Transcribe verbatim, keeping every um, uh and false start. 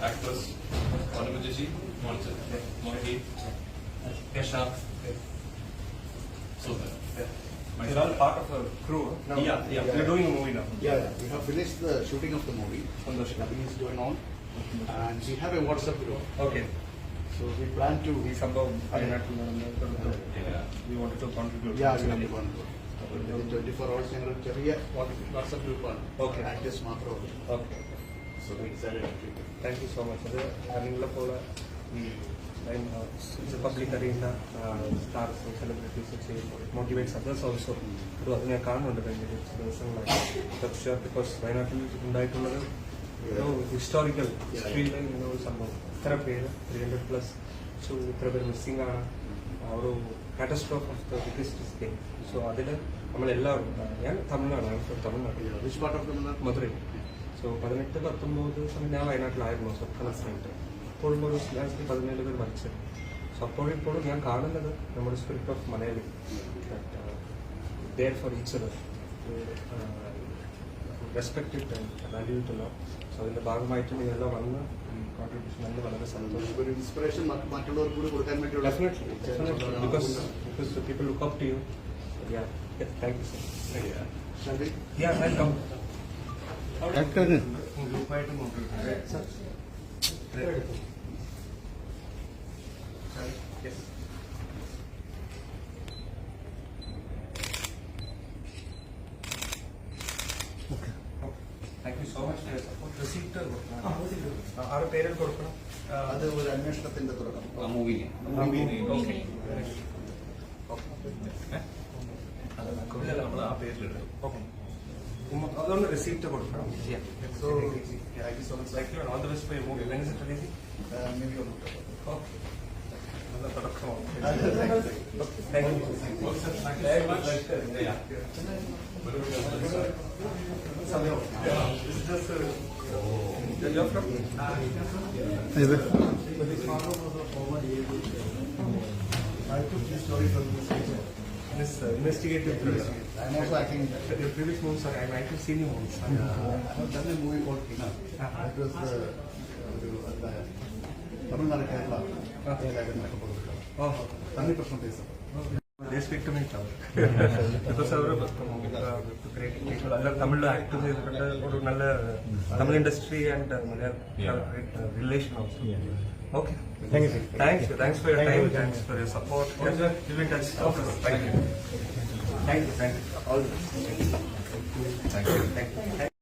actress Vanamajaji, Monkey, Kesha. So you're all part of a crew. No? Yeah, yeah. You're doing a movie now. Yeah, yeah. We have finished the shooting of the movie. Nothing is going on. And we have a WhatsApp group. Okay. So we plan to. We somehow we wanted to contribute. Yeah, we have one group. twenty-four hours ഞങ്ങൾ ചെറിയ WhatsApp ഗ്രൂപ്പാണ്. Okay. Actors മാത്രമേ. Okay. So we decided to keep it. Thank you so much. അത് നിങ്ങളെ പോലെ ഈ public arena stars celebrities ചെയ്യുമ്പോൾ motivates others also. ഒരു അത് ഞാൻ കാണുന്നുണ്ട് കഴിഞ്ഞ കുറച്ച് ദിവസങ്ങളായി. ബിക്കോസ് വയനാട്ടിൽ ഉണ്ടായിട്ടുള്ളത് ഒരു ഹിസ്റ്റോറിക്കൽ ഹിസ്റ്ററിയിലെ ഇങ്ങനെ ഒരു സംഭവം. ഇത്ര പേര് ത്രീ ഹൺഡ്രഡ് പ്ലസ് സോ ഇത്ര പേര് മിസ്സിംഗ് ആണ്. ഒരു catastrophe of the biggest thing. So അതിൽ നമ്മളെല്ലാവരും ഞാൻ തമിഴ്നാടാണ് തമിഴ്നാട്ടിൽ Which part of the Madurai. So പതിനെട്ട് പത്തൊമ്പത് സമയം ഞാൻ വയനാട്ടിലായിരുന്നു. സോ കണക്ട് അപ്പോഴും ഒരു ലാസ്റ്റ് പതിനേഴ് പേര് മരിച്ചത്. സോ അപ്പോഴും ഇപ്പോഴും ഞാൻ കാണുന്നത് നമ്മുടെ spirit of Malayali there for each other respect it and value it ലോ. സോ അതിന്റെ ഭാഗമായിട്ട് നിങ്ങളെല്ലാം വന്ന് കോൺട്രിബ്യൂഷൻ നല്ല വളരെ സന്തോഷം. ഒരു ഇൻസ്പിറേഷൻ മറ്റുള്ളവർക്ക് കൂടി കൊടുക്കാൻ വേണ്ടിയുള്ള. Definitely, definitely, because because the people look up to you. Yeah, yeah, thank you, sir. Yeah. Shall we? Yeah, welcome. Actor. ഗ്രൂപ്പായിട്ട് നോക്കിയിട്ടുണ്ട് sir. Yes. Okay. Thank you so much for your support. Receipt ആറ് പേരിൽ കൊടുക്കണം. അത് ഒരു അന്വേഷണത്തിന്റെ തുടക്കം. Movie Okay. നമ്മൾ ആ പേരിലെടുത്തു. Okay. അതൊന്ന് റെസിപ്റ്റ് കൊടുക്കണം. So, Thank you so much. Thank you and all the best for your movie. When is it releasing? uh, maybe on the Okay. നല്ല തുടക്കമാണ്. Thank Thank you. Is this uh, you're from? I took this story from this this uh, investigative thriller. I'm also acting in that. Your previous movies are I like to see new movies. Uh, I have done a movie called Tina. It was the Tamil Kerala. Oh, Tanni Prashna Desam. they speak to me now. Because അവർ തമിഴിൽ act ചെയ്തിട്ടുണ്ട്. ഒരു നല്ല Tamil industry and relation also. Okay. Thank you. Thanks. Thanks for your time. Thanks for your support. Yes, sir. You've been touched. Thank you. Thank you. Thank you. All the best. Thank you. Thank you. Thank you.